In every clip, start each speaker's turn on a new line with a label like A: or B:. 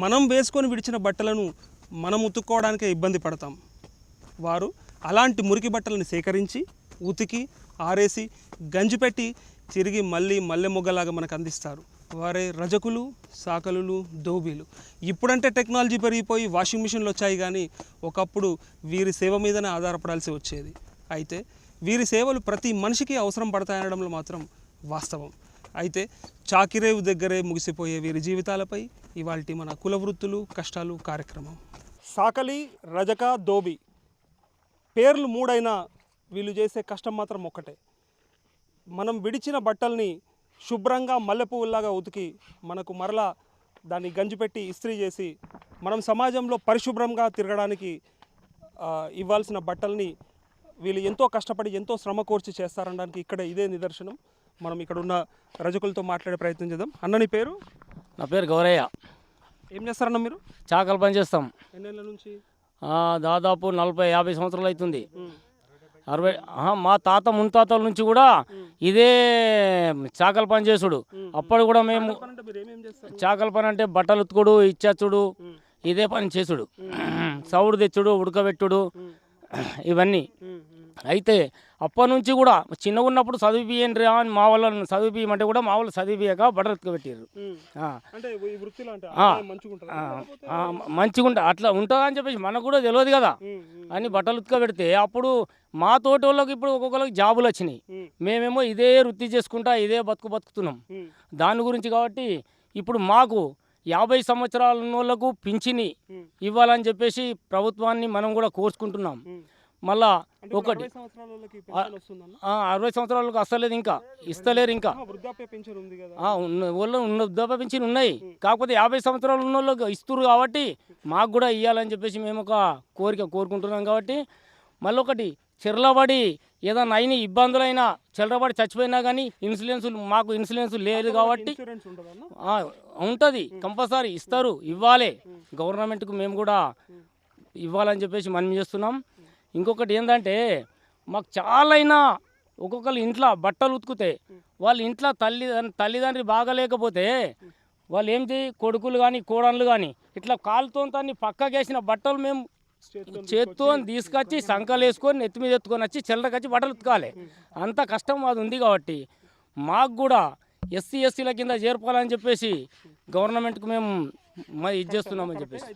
A: మనం వేసుకొని విడిచిన బట్టలను మనం ఉతుక్కోవడానికే ఇబ్బంది పడతాం. వారు అలాంటి మురికి బట్టలను సేకరించి ఉతికి ఆరేసి గంజి పెట్టి తిరిగి మళ్ళీ మల్లె మొగ్గలాగా మనకు అందిస్తారు. వారే రజకులు, సాకలులు, దోబీలు. ఇప్పుడంటే టెక్నాలజీ పెరిగిపోయి వాషింగ్ మిషన్లు వచ్చాయి, కానీ ఒకప్పుడు వీరి సేవ మీదనే ఆధారపడాల్సి వచ్చేది. అయితే వీరి సేవలు ప్రతి మనిషికి అవసరం పడతాయనడంలో మాత్రం వాస్తవం. అయితే చాకిరేవు దగ్గరే ముగిసిపోయే వీరి జీవితాలపై ఇవాల్టి మన కుల వృత్తులు కష్టాలు కార్యక్రమం. సాకలి, రజక, దోబి పేర్లు మూడైనా వీళ్ళు చేసే కష్టం మాత్రం ఒక్కటే. మనం విడిచిన బట్టల్ని శుభ్రంగా మల్లెపువ్వులాగా ఉతికి మనకు మరలా దాన్ని గంజిపెట్టి ఇస్త్రీ చేసి మనం సమాజంలో పరిశుభ్రంగా తిరగడానికి ఇవ్వాల్సిన బట్టల్ని వీళ్ళు ఎంతో కష్టపడి ఎంతో శ్రమ కోర్చి చేస్తారనడానికి ఇక్కడ ఇదే నిదర్శనం. మనం ఇక్కడ ఉన్న రజకులతో మాట్లాడే ప్రయత్నం చేద్దాం. అన్న నీ పేరు?
B: నా పేరు గౌరయ్య.
A: ఏం చేస్తారన్న మీరు?
B: చాకలి పని చేస్తాం.
A: ఎన్నేళ్ళ నుంచి?
B: దాదాపు 40-50 సంవత్సరాలు అవుతుంది. 60 మా తాత మున్తాతల నుంచి కూడా ఇదే చాకలి పని చేసుడు. అప్పుడు కూడా మేము చాకలి పని అంటే బట్టలు ఉతుకుడు, ఇచ్చచ్చుడు, ఇదే పని చేసుడు. సౌడు తెచ్చుడు, ఉడకబెట్టుడు, ఇవన్నీ. అయితే అప్పటి నుంచి కూడా చిన్నగా ఉన్నప్పుడు చదివిపియండి రా అని మా వాళ్ళని చదివిపియమంటే కూడా మా వాళ్ళు చదివియక బట్టలు ఉతకబెట్టారు. మంచిగా అట్లా ఉంటుందా అని చెప్పేసి మనకు కూడా తెలియదు కదా అని బట్టలు ఉతకబెడితే అప్పుడు మా తోటి వాళ్ళకి ఇప్పుడు ఒక్కొక్కరికి జాబులు వచ్చినాయి. మేమేమో ఇదే వృత్తి చేసుకుంటా ఇదే బతుకుతున్నాం. దాని గురించి కాబట్టి ఇప్పుడు మాకు 50 సంవత్సరాల వాళ్ళకు పింఛని ఇవ్వాలని చెప్పేసి ప్రభుత్వాన్ని మనం కూడా కోరుకుంటున్నాం. మళ్ళా ఒకటి 60 సంవత్సరాలకు అస్తలేదు, ఇంకా ఇస్తలేరు. ఇంకా వృద్ధాప్య పింఛన్ ఉన్నాయి, కాకపోతే 50 సంవత్సరాలు ఉన్న వాళ్ళకి ఇస్తున్నారు కాబట్టి మాకు కూడా ఇవ్వాలని చెప్పేసి మేము ఒక కోరుకుంటున్నాం. కాబట్టి మళ్ళీ ఒకటి చెర్లబడి ఏదైనా అయిన ఇబ్బందులైనా చెర్లబడి చచ్చిపోయినా కానీ మాకు ఇన్సూరెన్స్ లేదు కాబట్టి ఉంటుంది, కంపల్సరీ ఇస్తారు, ఇవ్వాలి. గవర్నమెంట్కు మేము కూడా ఇవ్వాలని చెప్పేసి మనం చేస్తున్నాం. ఇంకొకటి ఏంటంటే మాకు చాలా ఒక్కొక్కరు ఇంట్లో బట్టలు ఉతుకుతే వాళ్ళ ఇంట్లో తల్లిదండ్రి బాగాలేకపోతే వాళ్ళు ఏంటి కొడుకులు కానీ కోడళ్ళు కానీ ఇట్లా కాలుతో పక్కకేసిన బట్టలు మేము చేత్తో తీసుకొచ్చి సంకలు వేసుకొని నెత్తి మీద ఎత్తుకొని వచ్చి చెల్లరకొచ్చి బట్టలు ఉతకాలి. అంత కష్టం అది ఉంది కాబట్టి మాకు కూడా ఎస్సీల కింద చేర్పాలని చెప్పేసి గవర్నమెంట్కి మేము ఇది చేస్తున్నామని చెప్పేసి.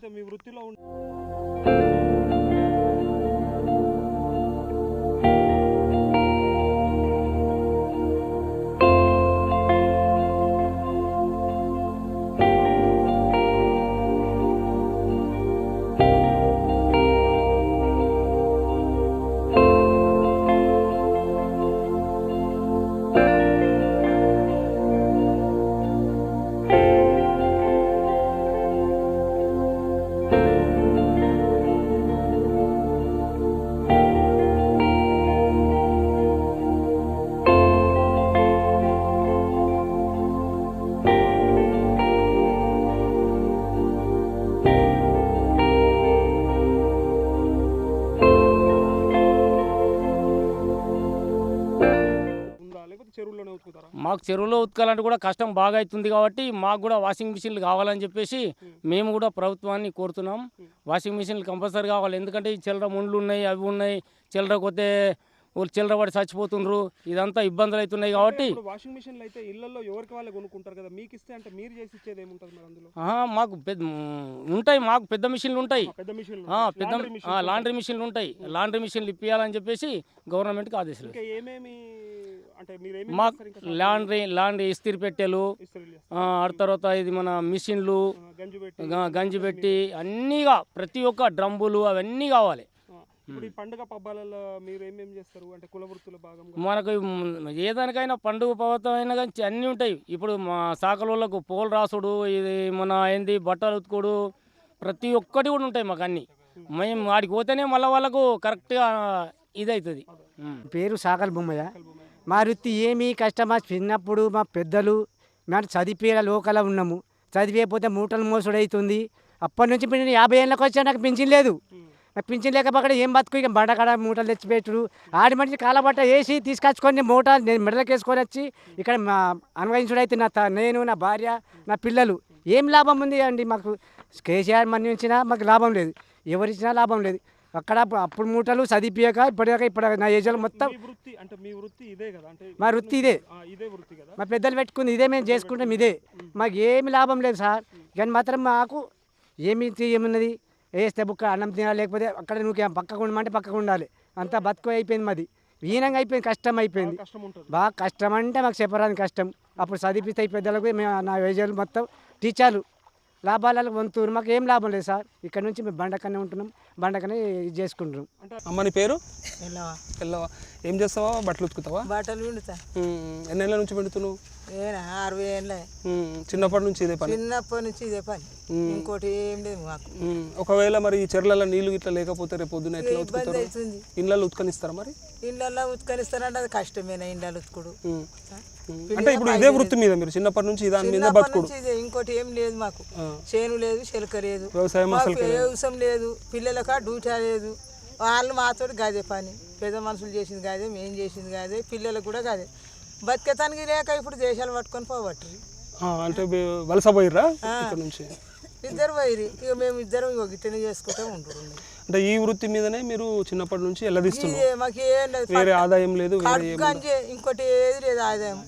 B: మాకు చెరువులో ఉతకాలంటే కూడా కష్టం బాగా అవుతుంది కాబట్టి మాకు కూడా వాషింగ్ మిషన్లు కావాలని చెప్పేసి మేము కూడా ప్రభుత్వాన్ని కోరుతున్నాం. వాషింగ్ మిషన్లు కంపల్సరీ కావాలి. ఎందుకంటే ఈ చిల్లర ముండ్లు ఉన్నాయి, అవి ఉన్నాయి, చిల్లర కొద్దే వాళ్ళు చిల్లర పడి చచ్చిపోతుండ్రు, ఇదంతా ఇబ్బందులు అవుతున్నాయి. కాబట్టి
A: వాషింగ్ మిషన్లు అయితే ఇళ్లలో ఎవరికి వాళ్ళే కొనుక్కుంటారు కదా, మీకు ఇస్తే అంటే మీరు చేసి ఇచ్చేది ఏముంటుంది మరి అందులో?
B: మాకు ఉంటాయి, మాకు పెద్ద మిషన్లు ఉంటాయి, లాండ్రీ మిషన్లు ఉంటాయి. లాండ్రీ మిషన్లు ఇప్పించాలని చెప్పేసి గవర్నమెంట్కి ఆదేశాలు. మాకు లాండ్రీ ఇస్త్రీ పెట్టెలు, ఆ తర్వాత ఇది మన మిషన్లు గంజి పెట్టి అన్నీగా ప్రతి ఒక్క డ్రమ్ములు అవన్నీ కావాలి.
A: పండుగ పబ్బాలలో మీరు ఏమేమి చేస్తారు అంటే కుల వృత్తుల భాగంగా?
B: మనకు ఏదానికైనా పండుగ పర్వతం అయినా కానీ అన్నీ ఉంటాయి. ఇప్పుడు మా సాకలోళ్ళకు పోలు రాసుడు, ఇది మన ఏంది బట్టలు ఉతుకుడు, ప్రతి ఒక్కటి కూడా ఉంటాయి మాకు అన్నీ. మేము వాడికి పోతేనే మళ్ళీ వాళ్ళకు కరెక్ట్గా ఇది అవుతుంది.
C: పేరు సాకల్ బొమ్మయ్య. మా వృత్తి ఏమీ కష్టమా, చిన్నప్పుడు మా పెద్దలు మేము చదివే లోకల ఉన్నాము, చదివేయకపోతే మూటలు మోసుడు అవుతుంది. అప్పటి నుంచి నేను 50 ఏళ్ళకి వచ్చా, నాకు పెన్షన్ లేదు. నాకు పింఛన్ లేకపోతే ఏం బతుకు ఇక బండకాడ మూటలు తెచ్చిపెట్టుడు ఆడి మనిషి కాలబట్ట వేసి తీసుకొచ్చుకొని మూట నేను మెడలకు వేసుకొని వచ్చి ఇక్కడ అన్వయించుడు అయితే నేను నా భార్య నా పిల్లలు ఏం లాభం ఉంది అండి మాకు కేసీఆర్ మనీ ఇచ్చినా మాకు లాభం లేదు ఎవరు ఇచ్చినా లాభం లేదు అక్కడ అప్పుడు మూటలు చదివిపోయాక ఇప్పటిదాకా ఇప్పుడు నా ఏజ్లో మొత్తం మా వృత్తి ఇదే మా పెద్దలు పెట్టుకుంది ఇదే మేము చేసుకుంటాం ఇదే మాకు ఏమి లాభం లేదు సార్ కానీ మాత్రం మాకు ఏమున్నది వేస్తే బుక్క అన్నం తినాలి లేకపోతే అక్కడ నువ్వు పక్కకు ఉండమంటే పక్కకు ఉండాలి అంతా బతుకు అయిపోయింది మాది హీనంగా అయిపోయింది కష్టం అయిపోయింది బాగా కష్టం అంటే మాకు చెప్పరాని కష్టం అప్పుడు చదివిస్తే పెద్దలకు మేము నా ఏజ్లో మొత్తం టీచర్లు లాభాలకు వంతురు మాకు ఏం లాభం లేదు సార్ ఇక్కడ నుంచి మేము బండకనే ఉంటున్నాం బండకనే ఇది చేసుకుంటున్నాం.
A: అమ్మని పేరు ఎల్లవా. ఏం చేస్తావా? బట్టలు ఉతుకుతావా?
D: బట్టలు పిండుతా.
A: ఎన్ని ఏళ్ళ నుంచి పిండుతున్నావు?
D: 60 ఏళ్ళ.
A: చిన్నప్పటి నుంచి ఇదే పని?
D: చిన్నప్పటి నుంచి ఇదే పని, ఇంకోటి ఏం లేదు మాకు.
A: ఒకవేళ మరి ఈ చెర్లలో నీళ్లు ఇట్లా లేకపోతే రేపు పొద్దున ఎట్లా
D: ఇబ్బంది అవుతుంది.
A: ఇళ్ళల్లో ఉత్కనిస్తారా? మరి
D: ఇళ్ళల్లో ఉత్కనిస్తారంటే అది కష్టమేనా ఇళ్ళలో ఉతుకుడు?
A: అంటే ఇప్పుడు ఇదే వృత్తి మీద మీరు చిన్నప్పటి నుంచి దాని మీద బతుకుడు?
D: ఇంకోటి ఏం లేదు మాకు, చేను లేదు, చెలక లేదు,
A: వ్యవసాయం
D: లేదు, పిల్లలక డ్యూటీ లేదు. వాళ్ళు మాతో గదే పని, పెద్ద మనుషులు చేసింది కాదే, మేము చేసింది కాదే, పిల్లలకు కూడా కాదే. బతికేతానికి లేక ఇప్పుడు దేశాలు పట్టుకొని పోవట్రు.
A: అంటే వలస పోయిర్రా ఇక్కడ నుంచి?
D: ఇద్దరు పోయిరి, ఇక మేము ఇద్దరం ఇక గిట్టనే చేసుకుంటూ ఉంటున్నాం.
A: అంటే ఈ వృత్తి మీదనే మీరు చిన్నప్పటి నుంచి ఎల్లదిస్తున్నారు?
D: మాకు ఏం లేదు,
A: వేరే ఆదాయం లేదు,
D: ఇంకోటి ఏది లేదు ఆదాయం.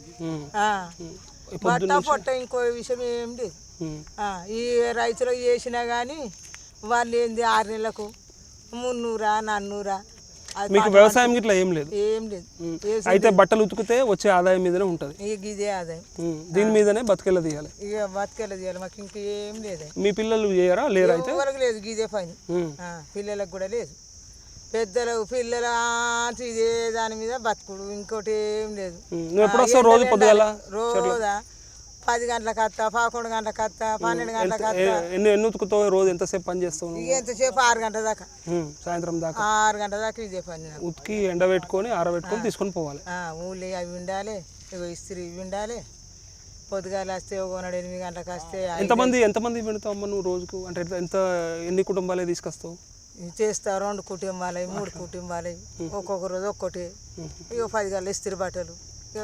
D: బట్ట పొట్ట ఇంకో విషయం ఏం లేదు. ఈ రైతులకు చేసినా కానీ వాళ్ళు ఏంది 6 నెలలకు 300, 400.
A: మీకు వ్యవసాయం ఇట్లా ఏం లేదు?
D: ఏం లేదు.
A: అయితే బట్టలు ఉతికితే వచ్చే ఆదాయం మీదనే ఉంటుంది?
D: ఇక ఇదే ఆదాయం,
A: దీని మీదనే బతికెళ్ళ తీయాలి.
D: ఇక బతికెళ్ళ తీయాలి, మాకు ఇంకేం లేదు.
A: మీ పిల్లలు చేయరా? లేరా? అయితే
D: ఎవరికి లేదు ఇదే పని, పిల్లలకు కూడా లేదు. పిల్లల ఇదే దాని మీద బతుకుడు, ఇంకోటి ఏం లేదు.
A: నువ్వు ఎప్పుడు వస్తావు? రోజు పొద్దుగాల?
D: రోజా 10 గంటలకు వస్తా, 11 గంటలకు వస్తా, 12 గంటలకు వస్తా.
A: ఎన్ని ఉతుకుతావు? రోజు ఎంతసేపు పని చేస్తావు?
D: ఇక ఎంతసేపు 6 గంటల దాకా,
A: సాయంత్రం దాకా
D: 6 గంటల దాకా ఇదే పని.
A: ఉతికి ఎండబెట్టుకొని ఆరబెట్టుకొని తీసుకొని పోవాలి.
D: ఊళ్ళో అవి ఉండాలి, ఇగో ఇస్త్రీ ఇవి ఉండాలి. పొద్దుగాల వస్తే ఒకనాడు 8 గంటలకు వస్తే.
A: ఎంతమంది పెడతావు అమ్మ నువ్వు రోజుకు? అంటే ఎన్ని కుటుంబాలే తీసుకొస్తావు?
D: చేస్తా 2 కుటుంబాలు 3 కుటుంబాలు, ఒక్కొక్క రోజు ఒక్కటి. ఇక 10 గంటలు ఇస్త్రీ బట్టలు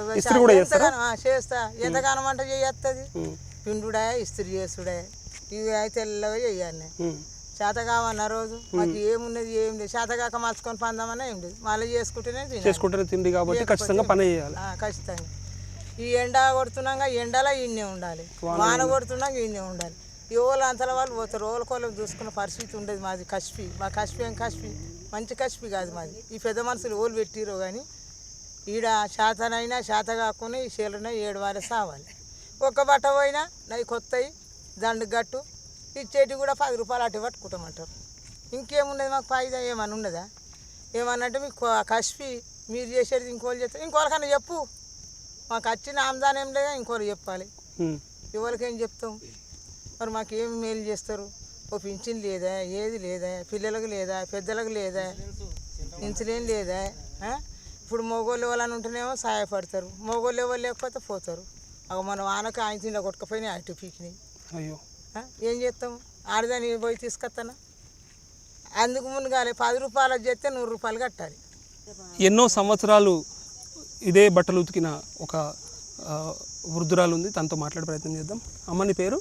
D: చేస్తా. ఎంతగానో వంట చేయత్తది, పిండుడా ఇస్త్రీ చేసుడా, ఇవి అయితే తెల్లగా చెయ్యాలి. చేత కావన్న రోజు మాకు ఏమున్నది ఏం లేదు. చేత కాక మలుచుకొని పందామన్నా ఏం లేదు, మళ్ళీ చేసుకుంటేనే
A: తిండి కాబట్టి ఖచ్చితంగా పని చేయాలి.
D: ఖచ్చితంగా ఈ ఎండ కొడుతున్నాగా ఎండలో ఈయనే ఉండాలి, వాన కొడుతున్నాక ఈయనే ఉండాలి. ఎవరు అంతల వాళ్ళు పోతారు, రోజుకోళ్ళకి చూసుకున్న పరిస్థితి ఉండేది మాది. కష్పి మా కష్పి ఏం కష్పి మంచి కష్పి కాదు మాది. ఈ పెద్ద మనుషులు ఓళ్ళు పెట్టిరో కానీ ఈడ శాతనైనా శాత కాకుండా ఈ చీరనే 7 వారే సావాలి. ఒక్క బట్ట పోయినా నవి కొత్తవి దండు గట్టు ఇచ్చేటి కూడా 10 రూపాయలు అటు పట్టుకుంటామంటారు. ఇంకేమున్నది మాకు ఫాయిదా ఏమన్నా ఉన్నదా? ఏమన్నంటే మీకు కష్పి మీరు చేసేది ఇంకోళ్ళు చేస్తారు, ఇంకోళ్ళకన్నా చెప్పు. మాకు వచ్చిన ఆమ్దానం ఏం లేదా, ఇంకోళ్ళు చెప్పాలి. ఎవరికేం చెప్తాం మరి? మాకు ఏం మేలు చేస్తారు? ఓ పింఛన్ లేదా, ఏది లేదా, పిల్లలకు లేదా, పెద్దలకు లేదా, ఇన్సులేం లేదా? ఇప్పుడు మగోళ్ళు ఎవరైనా ఉంటేనేమో సహాయపడతారు, మగోళ్ళు ఎవరు లేకపోతే పోతారు. అవి మనం ఆనక ఆయన తిండా కొట్టుకపోయినాయి అటు పీకినాయి.
A: అయ్యో
D: ఏం చేస్తాం? ఆడదాన్ని పోయి తీసుకొస్తానా? అందుకు ముందుగానే 10 రూపాయలు చేస్తే 100 రూపాయలు కట్టాలి.
A: ఎన్నో సంవత్సరాలు ఇదే బట్టలు ఉతికిన ఒక వృద్ధురాలు ఉంది, తనతో మాట్లాడే ప్రయత్నం చేద్దాం. అమ్మ నీ పేరు?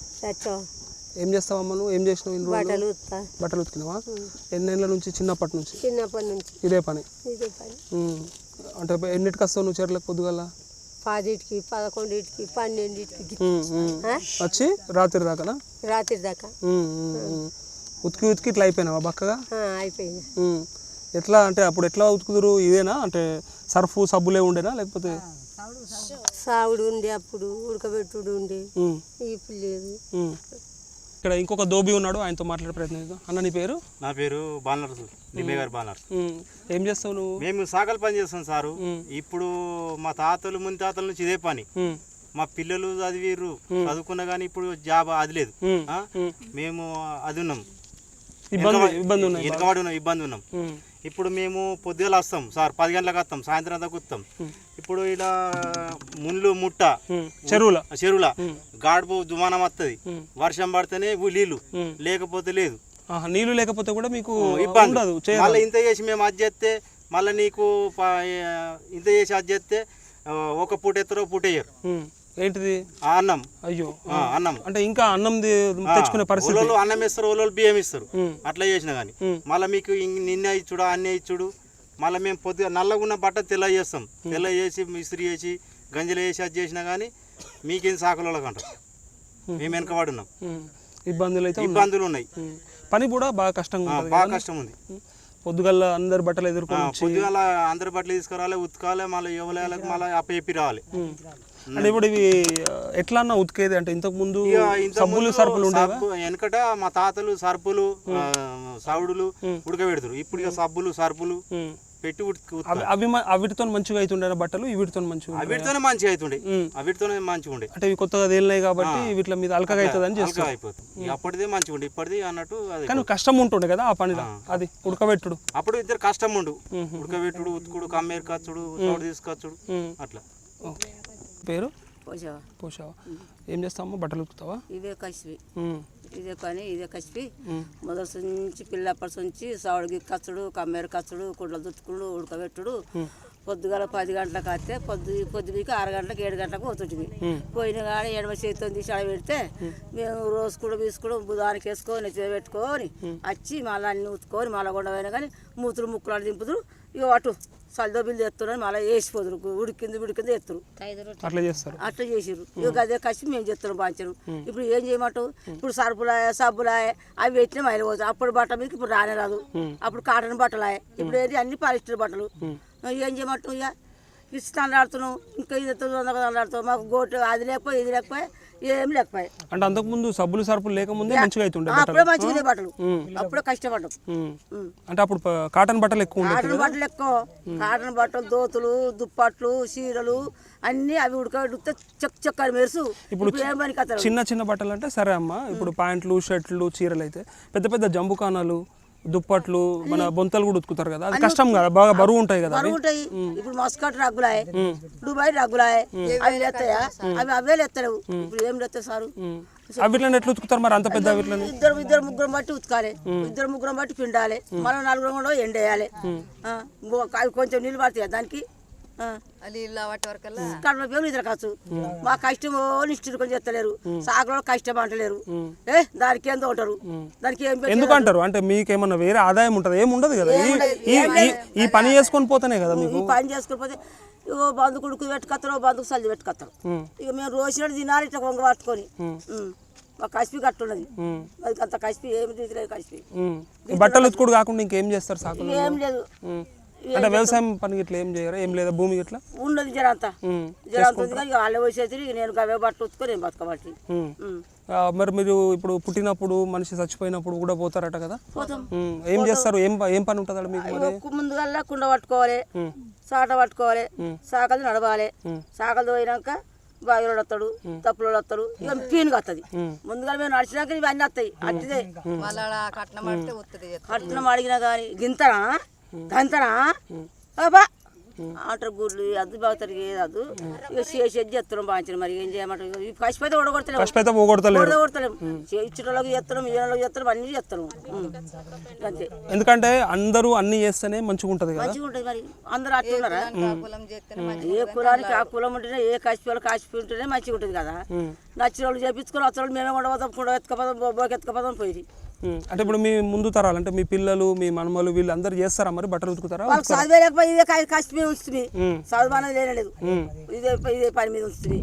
A: ఏం చేస్తావు అమ్మ నువ్వు? ఏం చేసినావు? బట్టలు ఉతికినావా? ఎన్నేళ్ళ నుంచి? చిన్నప్పటి నుంచి ఇదే పని? అంటే ఎన్నిటికి వస్తావు నువ్వు చెర్లకు? పొద్దుగల
E: 10కి 11కి 12కి
A: వచ్చి రాత్రి దాకా?
E: రాత్రి దాకా
A: ఉతికి ఇట్లా అయిపోయినావా బక్కగా?
E: అయిపోయింది.
A: ఎట్లా అంటే అప్పుడు ఎట్లా ఉతుకుదురు? ఇదేనా అంటే సర్ఫ్ సబ్బులే ఉండేనా లేకపోతే?
E: సావుడు ఉండే, అప్పుడు ఉడకబెట్టుడు ఉండే, ఇప్పుడు లేదు.
A: ఇక్కడ ఇంకొక దోబి ఉన్నాడు, ఆయనతో మాట్లాడే ప్రయత్నం చేద్దాం. అన్న నీ పేరు?
F: నా పేరు బాలనర్సు, నిమ్మే గారు బాలనర్సు.
A: ఏం చేస్తావు నువ్వు?
F: మేము సాగలు పని చేస్తాం సారు. ఇప్పుడు మా తాతలు ముని తాతల నుంచి ఇదే పని. మా పిల్లలు చదివిర్రు, చదువుకున్నా కానీ ఇప్పుడు జాబ్ అది లేదు. మేము అది ఉన్నాం, ఇబ్బంది ఉన్నాం. ఇప్పుడు మేము పొద్దుగల వస్తాం సార్, 10 గంటలకు వస్తాం, సాయంత్రం దాకా వస్తాం. ఇప్పుడు ఇలా ముళ్ళు ముట్ట చెరువుల గాడుపు దుమానం వస్తుంది, వర్షం పడితేనే నీళ్ళు, లేకపోతే లేదు.
A: నీళ్లు లేకపోతే కూడా మీకు
F: ఇబ్బంది
A: ఉండదు
F: మళ్ళీ ఇంత చేసి మేము అది చేస్తే మళ్ళీ నీకు ఇంత చేసి అది చేస్తే ఒక పూట ఎత్తరో పూట వేయరు.
A: ఏంటిది
F: అన్నం.
A: అయ్యో
F: అన్నం
A: అంటే ఇంకా అన్నం తెచ్చుకునే పరిస్థితి.
F: వాళ్ళు అన్నం ఇస్తారు, వాళ్ళు బియ్యం ఇస్తారు. అట్లా చేసినా కానీ మళ్ళీ మీకు నిన్న ఇచ్చుడు అన్నీ ఇచ్చుడు. మళ్ళీ మేము పొద్దుగా నల్లగా ఉన్న బట్ట తెల్ల చేస్తాం, తెల్ల చేసి ఇస్త్రీ చేసి గంజలు వేసి అది చేసినా కానీ మీకేం సాకులు అంటారు. మేము వెనకబడున్నాం, ఇబ్బందులు ఉన్నాయి.
A: పని కూడా బాగా కష్టంగా ఉంటుంది,
F: బాగా కష్టం ఉంది.
A: పొద్దుగల్ల అందరు బట్టలు ఎదుర్కొని
F: పొద్దుగల అందరు బట్టలు తీసుకురావాలి, ఉతకాలి, మళ్ళీ ఎవరికి మళ్ళీ అప్పచెప్పి రావాలి.
A: అంటే ఇప్పుడు ఇవి ఎట్లా అన్నా ఉతికేది అంటే ఇంతకు ముందు సబ్బులు ఉండేవా?
F: వెనకట మా తాతలు సర్పులు సౌడులు ఉడకబెడతారు. ఇప్పుడు ఇక సబ్బులు సర్పులు పెట్టి
A: అవిటితో మంచిగా అవుతుండే బట్టలు, వీటితో మంచిగా
F: అవిటితోనే మంచిగా అవుతుండే, అవిటితోనే మంచిగా ఉండే.
A: అంటే ఇవి కొత్తగా తేలినాయి కాబట్టి వీటి మీద అల్కగా అవుతుంది అని చేస్తా
F: అయిపోతుంది. అప్పటిదే మంచిగా ఉండే, ఇప్పటిది అన్నట్టు.
A: కానీ కష్టం ఉంటుండే కదా ఆ పనిలో, అది ఉడకబెట్టుడు.
F: అప్పుడు ఇద్దరు కష్టం ఉండు, ఉడకబెట్టుడు, ఉతుకుడు, కమ్మేరు కచ్చుడు, చోటు తీసుకొచ్చుడు అట్లా.
A: పేరు పోషావా. ఏం చేస్తావమ్మా? బట్టలు ఉతుకుతావా?
G: ఇదే కసిపి, ఇదే పని, ఇదే కసిపి. మొదటి నుంచి పిల్లప్పటి నుంచి సావుడికి కచ్చుడు, కమ్మేరు కచ్చుడు, కుండలు తుట్టుకుడు, ఉడకబెట్టుడు. పొద్దుగాల 10 గంటలకు వస్తే పొద్దుకి 6 గంటలకు 7 గంటలకు పోతుంటుంది. పోయిన కానీ ఎడమ చేతితో తీసి ఆడ పెడితే మేము రోజు కూడా తీసుకుడు బుధానికి వేసుకొని పెట్టుకొని వచ్చి మళ్ళీ అన్ని ఉతుకొని మళ్ళీ కొండ పోయినా కానీ మూతులు ముక్కులు దింపుదురు. ఇక అటు సల్దో బిల్లు ఎత్తున్నారు, మళ్ళీ వేసిపోదురు, ఉడికింది ఎత్తురు.
A: అట్లా చేస్తారు,
G: అట్లా చేసిర్రు. ఇక అదే కసి మేము చేస్తున్నాం బాంచరు. ఇప్పుడు ఏం చేయమంటావు? ఇప్పుడు సరుపులాయ సబ్బులాయ అవి పెట్టిన మైలు పోతాయి. అప్పుడు బట్ట మీదకి ఇప్పుడు రానే రాదు. అప్పుడు కాటన్ బట్టలాయ, ఇప్పుడు ఏది అన్ని పాలిస్టర్ బట్టలు. ఏం చేయమంటావు? ఇక ఇస్తాను ఆడుతున్నావు, ఇంకా ఇది ఆడుతావు. మాకు గోటు అది లేకపోయి ఇది లేకపోయి ఏం లేకపోయి.
A: అంటే అంతకుముందు సబ్బులు సరుపులు లేకముందే మంచిగా అవుతుండే,
G: అప్పుడే మంచిగా బట్టలు, అప్పుడే కష్టపడ్డాం.
A: అంటే అప్పుడు కాటన్ బట్టలు ఎక్కువ ఉండే,
G: కాటన్ బట్టలు ఎక్కువ, కాటన్ బట్టలు, దోతులు, దుప్పట్లు, చీరలు అన్ని అవి ఉడకబెడితే చెక్క మెరుసు. ఇప్పుడు ఏం పని కథ?
A: చిన్న బట్టలు అంటే సరే అమ్మ, ఇప్పుడు ప్యాంట్లు, షర్ట్లు, చీరలు అయితే పెద్ద జంబుకానాలు, దుప్పట్లు, మన బొంతలు కూడా ఉతుకుతారు కదా, అది కష్టం కదా, బాగా బరువు ఉంటాయి కదా.
G: ఉంటాయి. ఇప్పుడు మస్కట్ రగ్గులాయే, దుబాయ్ రగ్గులాయే, అవి లేస్తాయా? అవి అవే లేస్తలేవు. ఇప్పుడు ఏం లేస్తాయి సారు?
A: వీటిని ఎట్లా ఉతుకుతారు మరి అంత పెద్ద? వీటిని
G: ఇద్దరు ముగ్గురం బట్టి ఉతకాలి, ఇద్దరు ముగ్గురం బట్టి పిండాలి, మనం 4 కూడా ఎండేయాలి. అవి కొంచెం నీళ్ళు పడతాయి దానికి. కడుపు పేరు ఇద్దరు కావచ్చు. మా కష్టం నిష్ఠుకొని చెత్తలేరు, సాగులో కష్టం అంటలేరు. దానికి ఏందో ఉంటారు, దానికి ఏం
A: ఎందుకంటారు? అంటే మీకేమన్నా వేరే ఆదాయం ఉంటుంది? ఏముండదు కదా, ఈ పని చేసుకొని పోతానే కదా మీకు.
G: పని చేసుకొని పోతే ఇగో బంధు కుడుకు పెట్టుకొస్తారు, బంధుకు సల్లి పెట్టుకొస్తారు. ఇక మేము రోజు తినాలి ఇట్లా కొంగ పట్టుకొని. మా కసిపి కట్టున్నది, అది అంత కసిపి ఏమి తీసుకోలేదు. కసిపి
A: బట్టలు ఉతుకుడు కాకుండా ఇంకేం చేస్తారు సాగు?
G: ఏం లేదు.
A: అంటే వ్యవసాయం పని ఇట్లా ఏం చేయరా? ఏం లేదా భూమి ఇట్లా
G: ఉన్నది జరంతా ఉంది కానీ వాళ్ళే వచ్చేసి నేను అవే బట్టలు ఉతుకొని నేను బతకబట్టి.
A: మరి మీరు ఇప్పుడు పుట్టినప్పుడు మనిషి చచ్చిపోయినప్పుడు కూడా పోతారట కదా, ఏం చేస్తారు? ఏం పని ఉంటుంది మీకు?
G: ముందుగా కుండ పట్టుకోవాలి, సాట పట్టుకోవాలి, సాకలు నడవాలి. సాకలు పోయినాక బావిలో వస్తాడు, తప్పులో వస్తాడు, ఇక పీనుగా వస్తుంది. ముందుగా మేము నడిచినాక ఇవన్నీ వస్తాయి. అట్టిదే కట్నం అడిగినా కానీ గింతనా గంతనా బాబా అంటారు. గుడ్లు అద్దు బాగుతారు, ఏది అద్దు. ఇక చేసి చేస్తున్నాం బాగా. మరి ఏం చేయమంటారు? కసిపోతే ఓడగొడతలేము, ఇచ్చేటోళ్ళకి చేస్తున్నాం, ఇయ్యలోకి చేస్తున్నాం, అన్ని చేస్తున్నాం అంతే.
A: ఎందుకంటే అందరూ అన్ని చేస్తేనే మంచిగా ఉంటుంది కదా.
G: మంచిగా ఉంటుంది. మరి అందరూ అట్లున్నారా? ఏ కులానికి ఆ కులం ఉంటేనే, ఏ కసిపి వాళ్ళు కాసిపి ఉంటేనే మంచిగా ఉంటుంది కదా. నచ్చిన వాళ్ళు చేపించుకొని వచ్చిన వాళ్ళు మేమే ఉండబోతాం, కూడా ఎత్తుకపోదాం, బొబ్బోకి ఎత్తుకపోదాం పోయి.
A: అంటే ఇప్పుడు మీ ముందు తరాలు అంటే మీ పిల్లలు, మీ మనమలు, వీళ్ళు అందరు చేస్తారా మరి బట్టలు ఉతుకుతారా?
G: వాళ్ళకి చదివే లేకపోతే ఇదే కష్టమే ఉంచుతుంది, చదువు అనేది లేనలేదు. ఇదే పని మీద ఉంచుతుంది.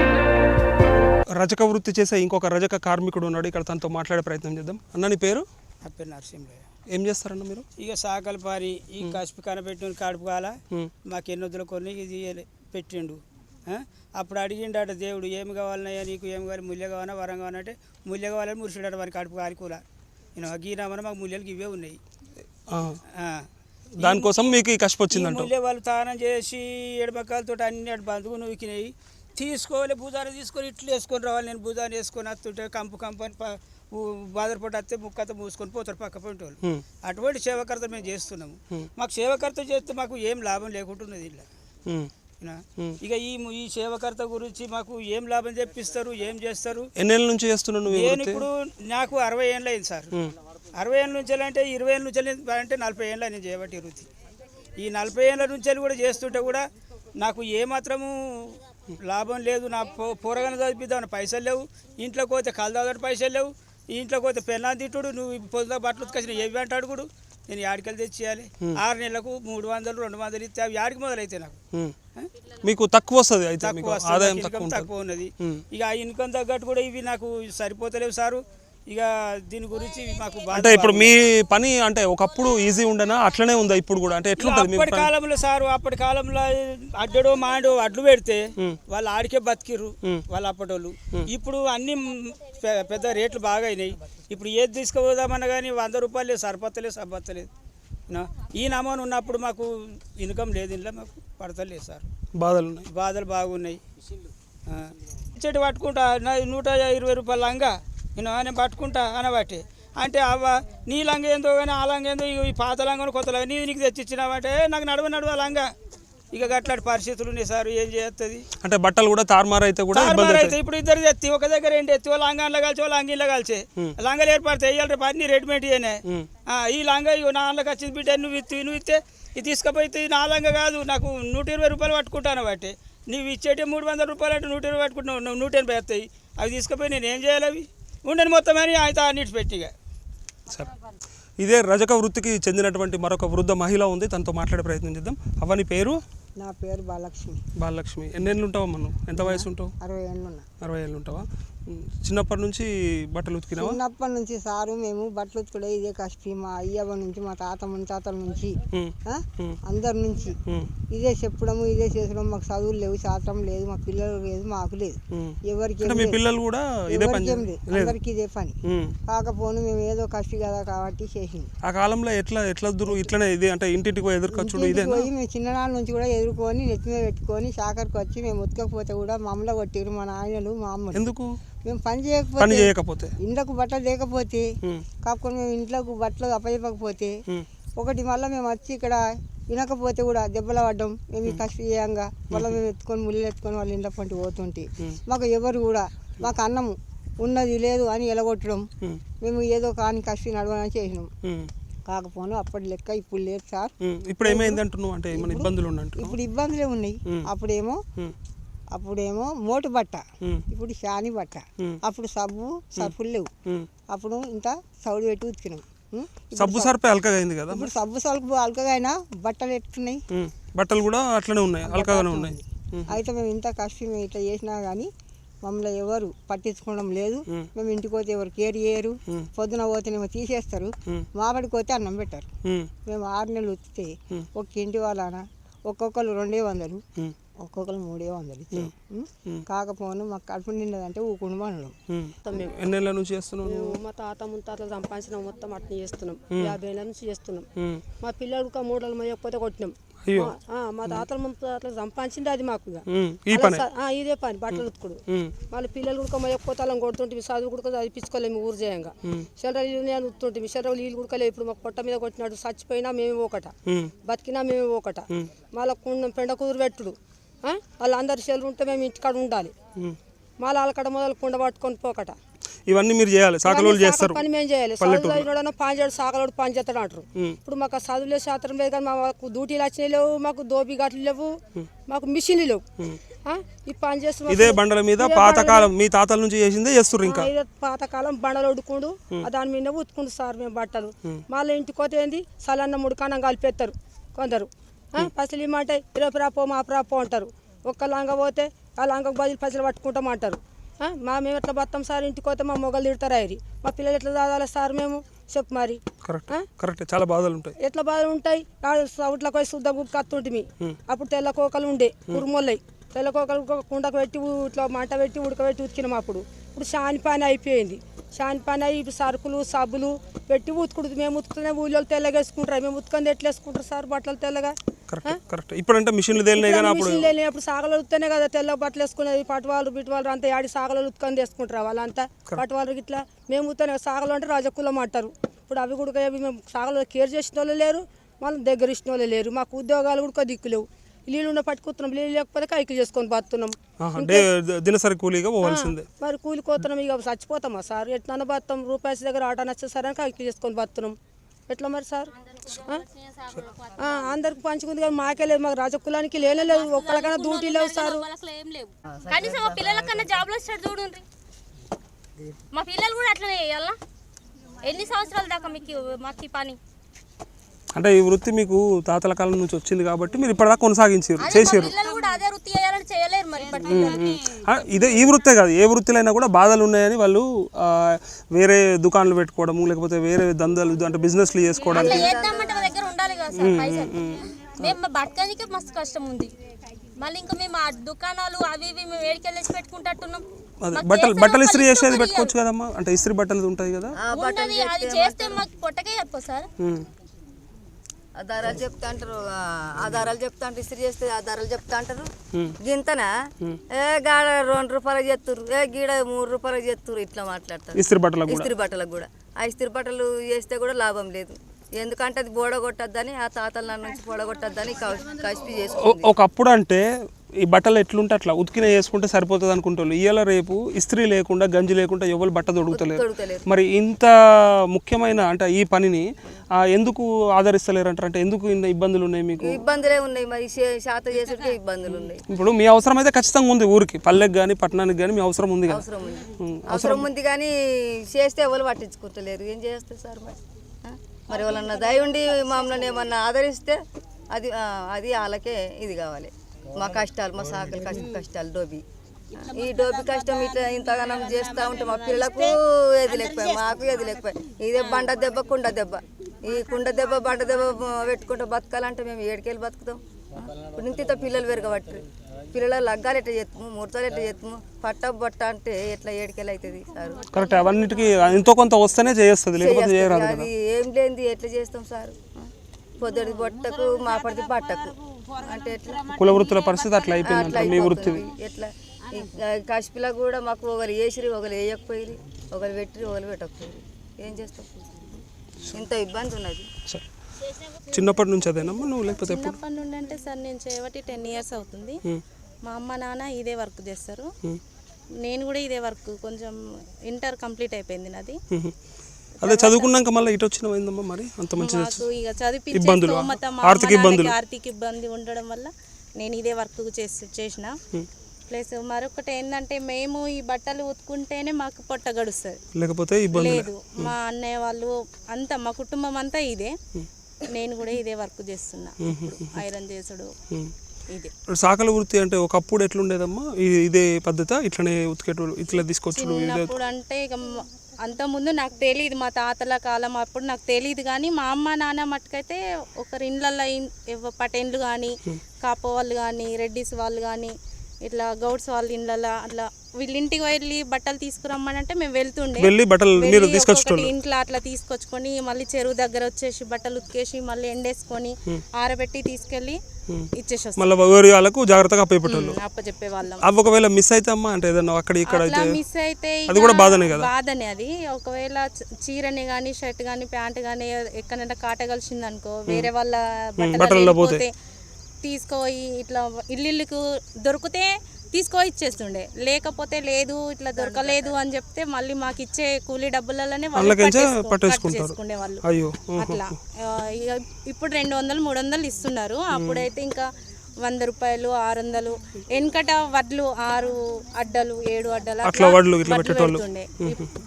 G: రజక వృత్తి చేసే ఇంకొక రజక కార్మికుడు ఉన్నాడు ఇక్కడ, తనతో మాట్లాడే ప్రయత్నం చేద్దాం. అన్న నీ పేరు?
H: నా పేరు నరసింహయ్య.
A: ఏం చేస్తారన్న మీరు?
H: ఇక సాకలు పారి ఈ కసిపి కనపెట్టిన కడుపు కాల మాకు ఎన్నొద్దుల కొన్ని ఇది పెట్టిండు. అప్పుడు అడిగిండట దేవుడు, ఏమి కావాలన్నాయా నీకు, ఏమి కావాలి, ముల్య కావాలా వరం కావాలంటే ముల్య కావాలని మురిసిడట వారి కడుపు కారికూల. నేను గీనామని మాకు ముల్యలకి ఇవే ఉన్నాయి.
A: దానికోసం మీకు ఈ కష్టం వచ్చిందంట.
H: ముల్య వాళ్ళు తానం చేసి ఎడమకాలతో అన్ని అటు బంధువు నూకినాయి. తీసుకోవాలి భుజాన్ని తీసుకొని ఇట్లు వేసుకొని రావాలి. నేను భుజాన్ని వేసుకొని వస్తుంటే కంపు అని బాధపడి వస్తే ముక్కతో మూసుకొని పోతారు పక్క పోయిన వాళ్ళు. అటువంటి సేవకర్త మేము చేస్తున్నాము. మాకు సేవకర్త చేస్తే మాకు ఏం లాభం లేకుంటున్నది ఇలా. ఇక ఈ సేవకర్త గురించి మాకు ఏం లాభం చెప్పిస్తారు, ఏం చేస్తారు?
A: ఎన్నేళ్ళ నుంచి చేస్తున్నాను
H: నేను ఇప్పుడు నాకు 60 ఏళ్ళు అయింది సార్. 60 ఏళ్ళ నుంచి అంటే 20 ఏళ్ళ నుంచి అంటే 40 ఏళ్ళ నేను చేయబట్టి వృత్తి. ఈ 40 ఏళ్ళ నుంచి కూడా చేస్తుంటే కూడా నాకు ఏమాత్రము లాభం లేదు. నా పోరగానే చదివిద్దామని పైసలు లేవు, ఇంట్లోకి పోతే కలదాదని పైసలు లేవు, ఇంట్లోకి పోతే పెళ్ళాన్ని తిట్టుడు, నువ్వు పొద్దున బట్టలు ఉతికొచ్చిన ఏవి అంటాడు కూడా. నేను యాడికెళ్ళి తెచ్చియాలి? 6 నెలలకు 300 200 ఇస్తే అవి యాడికి మొదలైతే నాకు
A: మీకు తక్కువ వస్తుంది, అయితే ఆదాయం
H: తక్కువ ఉన్నది. ఇక ఆ ఇన్కమ్ తగ్గట్టు కూడా ఇవి నాకు సరిపోతలేవు సారు. ఇక దీని గురించి మాకు
A: అంటే ఇప్పుడు మీ పని అంటే ఒకప్పుడు ఈజీ ఉండనా, అట్లనే ఉందా ఇప్పుడు కూడా? అంటే ఎట్లుంటది
H: అప్పటి కాలంలో సారు, అప్పటి కాలంలో అడ్డడో మాడో అడ్లు పెడితే వాళ్ళు ఆడికే బతికిర్రు వాళ్ళు అప్పటోళ్ళు. ఇప్పుడు అన్ని పెద్ద రేట్లు బాగా అయినాయి. ఇప్పుడు ఏది తీసుకుపోదామన్నా కానీ 100 రూపాయలు లేదు, సరిపోతలేదు. ఈ నమూనా ఉన్నప్పుడు మాకు ఇన్కమ్ లేదు, ఇంట్లో మాకు పడతలేదు సార్. బాధలు బాగున్నాయి. చెట్టు పట్టుకుంటా 120 రూపాయల లంగా నేను పట్టుకుంటా అనబట్టి అంటే అవ్వ నీ లంగ ఏందో కానీ ఆ లంగ ఏందో, ఈ పాత లంగా కొత్త లంగా నీకు తెచ్చిచ్చినావంటే నాకు నడవ లంగా. ఇక గట్లాంటి పరిస్థితులు ఉన్నాయి సార్. ఏం చేస్తుంది
A: అంటే బట్టలు కూడా తారుమారు అయితే కూడా
H: అయితే ఇప్పుడు ఇద్దరు ఎత్తి ఒక దగ్గర ఏంటి ఎత్తి వాళ్ళు లంగాన్లో కలిసి వాళ్ళు లంగిన్లో కలిసి లంగలు ఏర్పడతాయి. ఇవాళ రేపు అన్ని రెడీమేడ్ అయినా ఈ లంగా నా లంగకి వచ్చింది బిడ్డ, నువ్వు ఇస్తే ఇది తీసుకుపోతే నా లంగా కాదు, నాకు 120 రూపాయలు పట్టుకుంటాను బట్టి. నువ్వు ఇచ్చేటే 300 రూపాయలు అంటే 120 పట్టుకుంటున్నావు, 180 వస్తాయి. అవి తీసుకుపోయి నేను ఏం చేయాలి? అవి ఉండని మొత్తం అని ఆయన అన్నిటి పెట్టిగా.
A: సరే, ఇదే రజక వృత్తికి చెందినటువంటి మరొక వృద్ధ మహిళ ఉంది, తనతో మాట్లాడే ప్రయత్నం చేద్దాం. అవని పేరు?
I: నా పేరు బాలలక్ష్మి.
A: బాలలక్ష్మి, ఎన్నేళ్ళు ఉంటావా మనం? ఎంత వయసు ఉంటావు?
I: 60 ఏళ్ళు ఉన్నా.
A: 60 ఏళ్ళు ఉంటావా? చిన్నప్పటి నుంచి బట్టలు ఉతికినావా?
I: చిన్నప్పటి నుంచి సారు మేము బట్టలు ఉతుకుడే ఇదే కష్టం. మా అయ్యవ నుంచి, మా తాత ముత్తాతల నుంచి, అందరి నుంచి ఇదే చెప్పడము, ఇదే చేసడం. మాకు చదువులు లేవు, శాస్త్రం లేదు, మా పిల్లలు లేదు, మాకు లేదు, ఎవరికి
A: పిల్లలు కూడా
I: ఏం లేదు, అందరికి ఇదే పని. కాకపోతే మేము ఏదో కష్టం కదా కాబట్టి చేసింది.
A: ఆ కాలంలో ఎట్లా ఇట్లనే ఇది అంటే ఇంటికి ఎదుర్కొచ్చుడు ఇదే
I: పోయి మేము చిన్ననాళ్ళ నుంచి కూడా ఎదుర్కొని నెత్తి మీద పెట్టుకొని శాఖరికి వచ్చి మేము ఉతకపోతే కూడా మమ్మల్ని కొట్టిరు మా నాయనలు, మా అమ్మ.
A: ఎందుకు?
I: మేము పని చేయకపోతే, ఇంట్లోకి బట్టలు లేకపోతే, కాకపోతే మేము ఇంట్లోకి బట్టలు అప్పచెప్పకపోతే, ఒకటి మళ్ళీ మేము వచ్చి ఇక్కడ వినకపోతే కూడా దెబ్బలు పడ్డం. మేము ఈ కష్టం చేయంగా మళ్ళీ మేము ఎత్తుకొని ముళ్ళు ఎత్తుకొని వాళ్ళ ఇంట్లో పంటి పోతుంటే మాకు ఎవరు కూడా మాకు అన్నము ఉన్నది లేదు అని ఎలగొట్టడం. మేము ఏదో కానీ కష్టం నడవని చేసినాం. కాకపోతే అప్పటి లెక్క ఇప్పుడు లేదు సార్.
A: ఇప్పుడు ఏమైంది అంటున్నావు? అంటే ఇబ్బందులు
I: ఇప్పుడు ఇబ్బందులే ఉన్నాయి. అప్పుడేమో మోటు బట్ట, ఇప్పుడు శాని బట్ట. అప్పుడు సబ్బులు లేవు. అప్పుడు ఇంత సౌడు పెట్టి ఉతికినాం.
A: సబ్బు సర్పే అల్కగా అయింది కదా.
I: ఇప్పుడు సబ్బు సరుకు అల్కగా అయినా బట్టలు ఎట్టున్నాయి,
A: బట్టలు కూడా అట్లనే ఉన్నాయి, అల్కగానే ఉన్నాయి.
I: అయితే మేము ఇంత కష్టం ఇట్లా చేసినా కానీ మమ్మల్ని ఎవరు పట్టించుకోవడం లేదు. మేము ఇంటికి పోతే ఎవరు కేర్ చేయరు. పొద్దున పోతేనేమో తీసేస్తారు, మాబడికి పోతే అన్నం పెట్టారు. మేము 6 నెలలు ఉతికితే ఒక ఇంటి వాళ్ళన ఒక్కొక్కరు 200, ఒక్కొక్కరు 300 ఇచ్చారు. కాకపోతే మాకు కడుపు నిండదంటే ఊకుండా అనడం.
A: ఎన్నేళ్ళ నుంచి చేస్తున్నాం?
E: మా తాత ముత్తాతలు సంపాదించిన మొత్తం అట్లా చేస్తున్నాం. 50 ఏళ్ళ నుంచి చేస్తున్నాం. మా పిల్లలు 3 నెలలు మొయ్యకపోతే కొట్టినాం. మా తాతల ముత్తాతలు సంపాదించింది అది మాకు ఇదే పని బట్టలు ఉతుకుడు. మళ్ళీ పిల్లలు కూడా మొయ్యకపోతే అలా కొడుతుంటే చదువు కూడా చదివించుకోలేము ఊరు చేయంగా. సెంట్రల్ యూనియన్ ఉత్తుంటే సెంట్రల్ వీళ్ళు కూడా ఇప్పుడు మాకు పొట్ట మీద కొట్టినాడు, చచ్చిపోయినా మేము ఒకట, బతికినా మేము ఒకట. మళ్ళీ పెండ కుదురు పెట్టుడు. వాళ్ళందరి సెలవు ఉంటే మేము ఇంటికాడ ఉండాలి. మళ్ళీ వాళ్ళకడ మొదలు కుండ పట్టుకొని పోకట.
A: ఇవన్నీ మీరు చేయాలి, సాకలోళ్ళు చేస్తారు.
E: పని మేము చేయాలి. చదువులో పని చేయడు, సాకలోడు పని చేస్తాడు అంటారు. ఇప్పుడు మాకు చదువులే శాస్త్రం లేదు కానీ మాకు డ్యూటీలు వచ్చినాయి లేవు, మాకు దోబి గట్లు లేవు, మాకు మిషన్లు లేవు. ఈ పని చేస్తున్నారు
A: ఇదే బండల మీద పాతకాలం మీ తాతల నుంచి చేసిందే చేస్తారు. ఇంకా
E: పాతకాలం బండలు ఉడుకుండు, దాని మీద ఉతుకుండు సార్ మేము బట్టలు. మళ్ళీ ఇంటికి పోతే ఏంది సలన్న ముడికానం కలిపేస్తారు కొందరు. పైసలు ఇమ్మంటే 20 రాపో మా రాపో అంటారు. ఒక్క లంగ పోతే ఆ లంగకు బదులు పైసలు పట్టుకుంటామంటారు. మేము ఎట్లా బతాం సార్? ఇంటికి పోతే మా మొగలు తిడతారు అయ్యి, మా పిల్లలు ఎట్లా చదవాలి సార్? మేము చెప్పు మరి.
A: కరెక్ట్, చాలా బాధలు ఉంటాయి.
E: ఎట్లా బాధలు ఉంటాయి? సౌట్లకు పోయి శుద్ధ కత్తుంటిమి, అప్పుడు తెల్ల కోకలు ఉండే కురుమొల్లయి, తెల్ల కోకలు కుండకు పెట్టి ఇట్లా మంట పెట్టి ఉడకబెట్టి ఉతికినాం. ఇప్పుడు షాని పని అయిపోయింది, షాని పని అయ్యి ఇప్పుడు సరుకులు సబ్బులు పెట్టి ఉతుకుడు. మేము ఉతుకుతూనే ఊళ్ళో తెల్లగా వేసుకుంటారు, మేము ఉతుకంది ఎట్లా వేసుకుంటారు సార్ బట్టలు తెల్లగా?
A: కరెక్ట్. ఇప్పుడంటే మిషన్లు తేలినాయి కానీ
E: అప్పుడు సాగలు ఉత్తానే కదా తెల్ల బట్టలు వేసుకునేది. పట్టువాళ్ళు బిట్టువాళ్ళు అంతా ఆడి సాగలు ఉతుకొని వేసుకుంటారు వాళ్ళంతా. పట్టువాళ్ళు ఇట్లా మేము ఉత్తానే సాగలు అంటే రాజకులం అంటారు. ఇప్పుడు అవి కూడా మేము సాగలు కేర్ చేసిన వాళ్ళు లేరు, మళ్ళీ దగ్గర ఇచ్చిన వాళ్ళు లేరు. మాకు ఉద్యోగాలు కూడా దిక్కులేవు. నీళ్ళు ఉన్న పట్టుకుతున్నాం, నీళ్ళు లేకపోతే కైకి చేసుకొని బతున్నాం.
A: దినసరి కూలీగా పోవాల్సిందే.
E: మరి కూలి కోతున్నాం, ఇక చచ్చిపోతామా సార్? ఎట్లా బతాం? రూపాయల దగ్గర ఆటో నచ్చేసారని కైకి చేసుకొని బతున్నాం. ఎట్లా మరి సార్? అందరికి పంచుకుంది కానీ మాకే లేదు, మాకు రాజకులానికి లేదు. ఒక్కరికైనా డ్యూటీ లేవు సార్.
J: కనీసం మా పిల్లలకన్నా జాబ్లో వచ్చాడు చూడండి. మా పిల్లలు కూడా అట్లనే చేయాలా? ఎన్ని సంవత్సరాల దాకా మాకు ఈ పని?
A: అంటే ఈ వృత్తి మీకు తాతల కాలం నుంచి వచ్చింది కాబట్టి మీరు ఇప్పటిదాకా కొనసాగించారు, చేసారు.
J: పిల్లలు కూడా అదే వృత్తి చేయాలని చేయలేరు మరి.
A: ఇదే ఈ వృత్తే కాదు, ఏ వృత్తిలో కూడా బాధలు ఉన్నాయని వాళ్ళు వేరే దుకాణాలు పెట్టుకోవడము, లేకపోతే వేరే దందాలు అంటే బిజినెస్లు చేసుకోవడానికి
J: దగ్గర ఉండాలి కదా సార్ పైసలు. మేము బతకడానికే మస్తు కష్టం ఉంది. మళ్ళీ ఇంకా మేము ఆ దుకాణాలు అవి ఇవి మేము ఏడికెళ్ళేసి పెట్టుకుంటున్నాం.
A: బట్టలు ఇస్త్రీ చేసేది పెట్టుకోవచ్చు కదమ్మా, అంటే ఇస్త్రీ బట్టలు ఉంటాయి కదా,
J: అది చేస్తే మాకు పొట్టకే చెప్పు సార్.
G: ఆధారాలు చెప్తా అంటారు, ఆధారాలు చెప్తా అంటారు, ఇస్త్రీ చేస్తే ఆధారాలు చెప్తా అంటారు. గింతనా గాడ 2 రూపాయలు చేస్తుర్రు, గీడ 3 రూపాయలు చేస్తుర్రు, ఇట్లా మాట్లాడతారు.
A: ఇస్త్రీ బట్టలకు
G: కూడా ఆ ఇస్త్రీ బట్టలు చేస్తే కూడా లాభం లేదు. ఎందుకంటే అది బోడగొట్టద్దని, ఆ తాతల నుంచి బోడగొట్టద్దని కసిపి చేసుకుంటారు.
A: ఒకప్పుడు అంటే ఈ బట్టలు ఎట్లుంటే అట్లా ఉతికిన వేసుకుంటే సరిపోతుంది అనుకుంటారు. ఇవాళ రేపు ఇస్త్రీ లేకుండా గంజి లేకుండా ఎవరు బట్ట దొరుకుతలేరు. మరి ఇంత ముఖ్యమైన అంటే ఈ పనిని ఎందుకు ఆదరిస్తలేరు అంటారు? అంటే ఎందుకు ఇంత ఇబ్బందులు ఉన్నాయి మీకు?
G: ఇబ్బందులే ఉన్నాయి మరి, శాత చేసేటికే ఇబ్బందులు ఉన్నాయి.
A: ఇప్పుడు మీ అవసరం అయితే ఖచ్చితంగా ఉంది, ఊరికి పల్లెకి కానీ పట్టణానికి కానీ మీ అవసరం ఉంది కదా?
G: అవసరం ఉంది కానీ చేస్తే ఎవరు పట్టించుకుంటలేరు. ఏం చేస్తారు సార్ మరి ఎవరన్నా దయ ఉండి మమ్మల్ని ఏమన్నా ఆదరిస్తే అది వాళ్ళకే ఇది కావాలి. మా కష్టాలు, మా సాకలి కష్టాలు, డోబీ ఈ డోబీ కష్టం ఇట్లా ఇంతగానం చేస్తూ ఉంటే మా పిల్లలకు ఏది లేకపోయి, మాకు ఏది లేకపోయి. ఇదే బండ దెబ్బ కుండ దెబ్బ, ఈ కుండ దెబ్బ బండ దెబ్బ పెట్టుకుంటూ బతకాలంటే మేము ఏడికెళ్ళి బతుకుతాం? ఇప్పుడు ఇంత పిల్లలు పెరగబట్టి పిల్లల లగ్గాలు ఎట్లా చేస్తాము, ముహూర్తాలు ఎట్లా చేస్తాము, పట్ట బట్ట అంటే ఎట్లా ఏడికెళ్ళి అవుతుంది సార్?
A: కరెక్ట్, అవన్నిటికీ ఎంతో కొంత వస్తేనే చేస్తుంది, లేకపోతే చేయరాదు.
G: అది ఏం లేనిది ఎట్లా చేస్తాం సార్? పొద్దుటి బొట్టకు మా పడితే బట్టకు అంటే ఎట్లా?
A: కుల వృత్తుల పరిస్థితి అట్లా అయిపోయింది. మీ వృత్తి
G: ఎట్లా? కసిపిలా కూడా మాకు ఒకరు వేసిరి, ఒకరు వేయకపోయి, ఒకరు పెట్టి, ఒకరు పెట్టకపోయి. ఏం చేస్తాం? ఇంత ఇబ్బంది ఉన్నది.
A: చిన్నప్పటి నుంచి అదేనమ్మా నువ్వు, లేకపోతే
J: చిన్నప్పటి నుండి అంటే సార్ నేను చేయబట్టి 10 years అవుతుంది. మా అమ్మ నాన్న ఇదే వర్క్ చేస్తారు, నేను కూడా ఇదే వర్క్. కొంచెం ఇంటర్ కంప్లీట్ అయిపోయింది నాది.
A: అదే చదువుకున్నాక మళ్ళీ ఇటు వచ్చినమైందమ్మా మరి అంత మంచి
J: ఇక చదివించే ఆర్థిక ఇబ్బంది ఉండడం వల్ల నేను ఇదే వర్క్ చేసిన. ప్లస్ మరొకటి ఏంటంటే మేము ఈ బట్టలు ఉతుకుంటేనే మాకు పొట్ట గడుస్తుంది,
A: లేకపోతే
J: లేదు. మా అన్నయ్య వాళ్ళు అంతా, మా కుటుంబం అంతా ఇదే. నేను కూడా ఇదే వర్క్ చేస్తున్నా, ఐరన్ చేసుడు ఇదే.
A: సాకల వృత్తి అంటే ఒకప్పుడు ఎట్లుండేదమ్మా? ఇదే పద్ధతి ఇట్లనే ఉతికేటోళ్ళు, ఇట్లా తీసుకొచ్చుడు?
J: ఇప్పుడు అంటే ఇక అంతకుముందు నాకు తెలియదు, మా తాతల కాలం అప్పుడు నాకు తెలియదు. కానీ మా అమ్మ నాన్న మట్టుకైతే ఒకరి ఇండ్లల్లో పటేన్లు కానీ, కాపో వాళ్ళు కానీ, రెడ్డిస్ వాళ్ళు కానీ, ఇట్లా గౌడ్స్ వాళ్ళ ఇండ్లలో అట్లా వీళ్ళ ఇంటికి వెళ్ళి బట్టలు తీసుకురమ్మని అంటే మేము వెళ్తుండే, ఇంట్లో అట్లా తీసుకొచ్చుకొని మళ్ళీ చెరువు దగ్గర వచ్చేసి బట్టలు ఉతికేసి మళ్ళీ ఎండేసుకొని ఆరబెట్టి తీసుకెళ్ళి ఇచ్చేసి
A: జాగ్రత్తగా
J: అప్పచెప్పే వాళ్ళం.
A: ఒకవేళ మిస్ అయితే అమ్మా అంటే అక్కడ ఇక్కడ
J: మిస్ అయితే
A: అది కూడా బాధనే కదా?
J: బాధనే అది. ఒకవేళ చీరని కానీ షర్ట్ కానీ ప్యాంట్ కానీ ఎక్కడైనా కాట కలిసింది అనుకో, వేరే వాళ్ళ బట్టలు పోతే తీసుకుపోయి ఇట్లా ఇల్లుకు దొరికితే తీసుకొని ఇచ్చేస్తుండే, లేకపోతే లేదు ఇట్లా దొరకలేదు అని చెప్తే మళ్ళీ మాకు ఇచ్చే కూలీ డబ్బులలోనే పట్టేసుకునే వాళ్ళు. అట్లా ఇప్పుడు 200-300 ఇస్తున్నారు. అప్పుడైతే ఇంకా 100 రూపాయలు, 600. వెనకట వడ్లు 6 అడ్డలు 7 అడ్డలు అట్లా పెడుతుండే.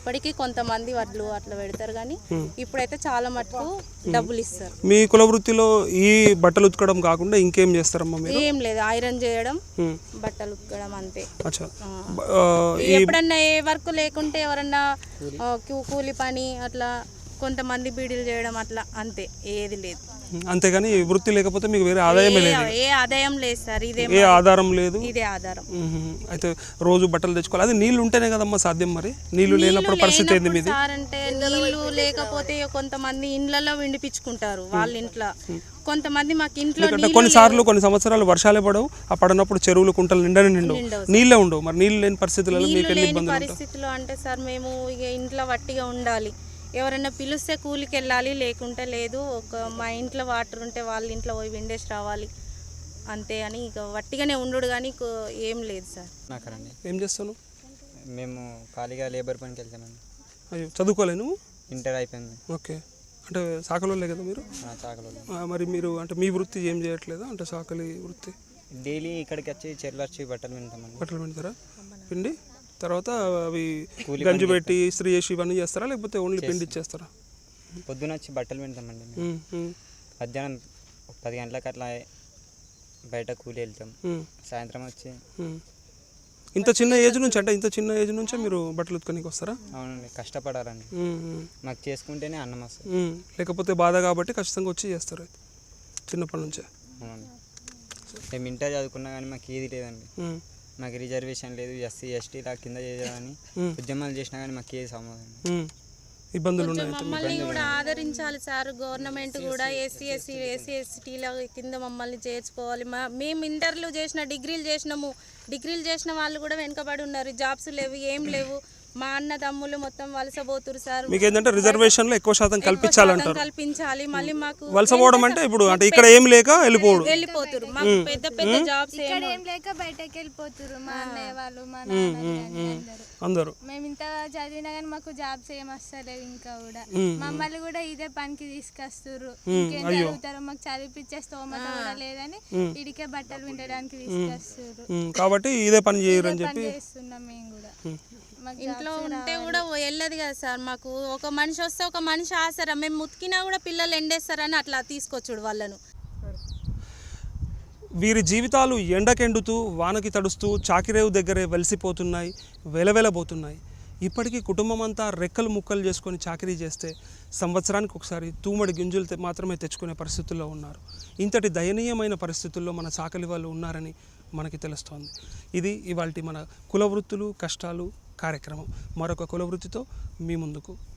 J: ఇప్పటికీ కొంతమంది వడ్లు అట్లా పెడతారు కానీ ఇప్పుడైతే చాలా మటుకు డబ్బులు ఇస్తారు.
A: మీ కుల వృత్తిలో ఈ బట్టలు ఉతకడం కాకుండా ఇంకేం చేస్తారమ్మా మీరు?
J: ఏం లేదు, ఐరన్ చేయడం, బట్టలు ఉతకడం అంతే.
A: అచ్చా.
J: ఎప్పుడన్నా ఏ వర్క్ లేకుంటే ఎవరన్నా కూలి పని అట్లా, కొంతమంది బీడీలు చేయడం అట్లా, అంతే, ఏది లేదు.
A: అంతేగాని వృత్తి లేకపోతే మీకు వేరే ఆదాయమే లేదు?
J: ఏ ఆదాయం లేదు సార్, ఇదే
A: ఏ ఆధారం లేదు,
J: ఇదే ఆధారం.
A: అయితే రోజు బట్టలు తెచ్చుకోవాలి. అది నీళ్లు ఉంటేనే కదమ్మా సాధ్యం. మరి నీళ్లు లేనప్పుడు పరిస్థితి ఏంది మీది?
J: సార్ అంటే నీళ్లు లేకపోతే కొంతమంది ఇండ్లలో విండిపించుకుంటారు వాళ్ళ ఇంట్లో, కొంతమంది మాకు ఇంట్లో
A: కొన్నిసార్లు కొన్ని సంవత్సరాలు వర్షాలే పడవు, ఆ పడినప్పుడు చెరువులు కుంటలు నిండవు, నీళ్ళే ఉండవు. మరి నీళ్ళు లేని పరిస్థితులలో మీకు ఎన్ని ఇబ్బందులు?
J: పరిస్థితుల్లో అంటే సార్ మేము ఇక ఇంట్లో వట్టిగా ఉండాలి, ఎవరైనా పిలిస్తే కూలికి వెళ్ళాలి, లేకుంటే లేదు. మా ఇంట్లో వాటర్ ఉంటే వాళ్ళ ఇంట్లో పోయి విండేసి రావాలి అంతే అని, ఇక వట్టిగానే ఉండు కానీ ఏం లేదు సార్.
K: నాకరండి.
A: ఏం చేస్తాను?
K: మేము ఖాళీగా లేబర్ పనికి వెళ్తామండి.
A: అయ్యో, చదువుకోలేను?
K: ఇంటర్ అయిపోయింది.
A: ఓకే, అంటే సాకలోలే కదా మీరు?
K: చాకలో.
A: మరి మీరు అంటే మీ వృత్తి ఏం చేయట్లేదా? అంటే సాకలి వృత్తి
K: డైలీ ఇక్కడికి వచ్చి చెర్లు వచ్చి బట్టలు వింటామండి.
A: బట్టలు పిండుతారా? పిండి తర్వాత అవి గంజి పెట్టి ఇస్త్రీ చేసి ఇవన్నీ చేస్తారా, లేకపోతే ఓన్లీ పిండి ఇచ్చేస్తారా?
K: పొద్దున వచ్చి బట్టలు వింటామండి. మధ్యాహ్నం 10 గంటలకు అట్లా బయట కూలి వెళ్తాం, సాయంత్రం వచ్చి.
A: ఇంత చిన్న ఏజ్ నుంచి, అంటే ఇంత చిన్న ఏజ్ నుంచే మీరు బట్టలు ఉతకడానికి వస్తారా?
K: అవునండి, కష్టపడాలండి. మాకు చేసుకుంటేనే అన్నం వస్తుంది,
A: లేకపోతే బాధ కాబట్టి ఖచ్చితంగా వచ్చి చేస్తారు చిన్నప్పటి నుంచే.
K: అవునండి. మేము ఇంటర్ చదువుకున్నా కానీ మాకు ఏది లేదండి. మాకు రిజర్వేషన్ లేదు, ఎస్సీ ఎస్టీ ఇలా కింద చేయాలని ఉద్యమాలు చేసినా కానీ మాకు ఏది సమాధానం,
A: ఇబ్బందులు ఉన్నాయి.
J: మమ్మల్ని కూడా ఆదరించాలి సార్ గవర్నమెంట్ కూడా, ఎస్సీ ఎస్టీల కింద మమ్మల్ని చేర్చుకోవాలి. మేము ఇంటర్లు చేసిన, డిగ్రీలు చేసిన వాళ్ళు కూడా వెనుకబడి ఉన్నారు, జాబ్స్ లేవు, ఏం లేవు. మా అన్న తమ్ముళ్ళు మొత్తం వలసపోతురు సార్.
A: మీకు ఏంటంటే రిజర్వేషన్లో ఎక్కువ శాతం కల్పించాలంటారు.
J: కల్పించాలి. మళ్ళీ మాకు
A: వలసపోవడం అంటే ఇప్పుడు అంటే ఇక్కడ ఏం లేక
J: వెళ్ళిపోతురు, మాకు పెద్ద పెద్ద జాబ్స్
L: ఏం లేక బయటకి వెళ్ళిపోతురు. మా అన్నయ్య వాళ్ళు, మా నాన్న
A: అందరూ.
L: మేము ఇంత చదివినా కానీ మాకు జాబ్స్ ఏం వస్తలేవు. ఇంకా కూడా మమ్మల్ని కూడా ఇదే పనికి తీసుకొస్తున్నారు. ఇంకేం చదువుతారు, మాకు చదివిపించే స్తోమత కూడా లేదని ఇడికే బట్టలు వినడానికి తీసుకొస్తున్నారు.
A: కాబట్టి ఇదే పని చేయరు అని చెప్పి
L: చేస్తున్నాం మేము కూడా.
J: ఇంట్లో ఉంటే కూడా వెళ్ళదు కదా సార్. మాకు ఒక మనిషి వస్తే ఒక మనిషి ఆసరా, మేము ఉతికినా కూడా పిల్లలు ఎండేస్తారని అట్లా తీసుకొచ్చుడు వాళ్ళను.
A: వీరి జీవితాలు ఎండకెండుతూ వానకి తడుస్తూ చాకిరేవు దగ్గరే వెలిసిపోతున్నాయి, వెలవెలబోతున్నాయి. ఇప్పటికీ కుటుంబం అంతా రెక్కలు ముక్కలు చేసుకొని చాకరీ చేస్తే సంవత్సరానికి ఒకసారి తూమడి గింజలు మాత్రమే తెచ్చుకునే పరిస్థితుల్లో ఉన్నారు. ఇంతటి దయనీయమైన పరిస్థితుల్లో మన చాకలి వాళ్ళు ఉన్నారని మనకి తెలుస్తోంది. ఇది ఇవాల్టి మన కుల వృత్తులు కష్టాలు కార్యక్రమం. మరొక కుల వృత్తితో మీ ముందుకు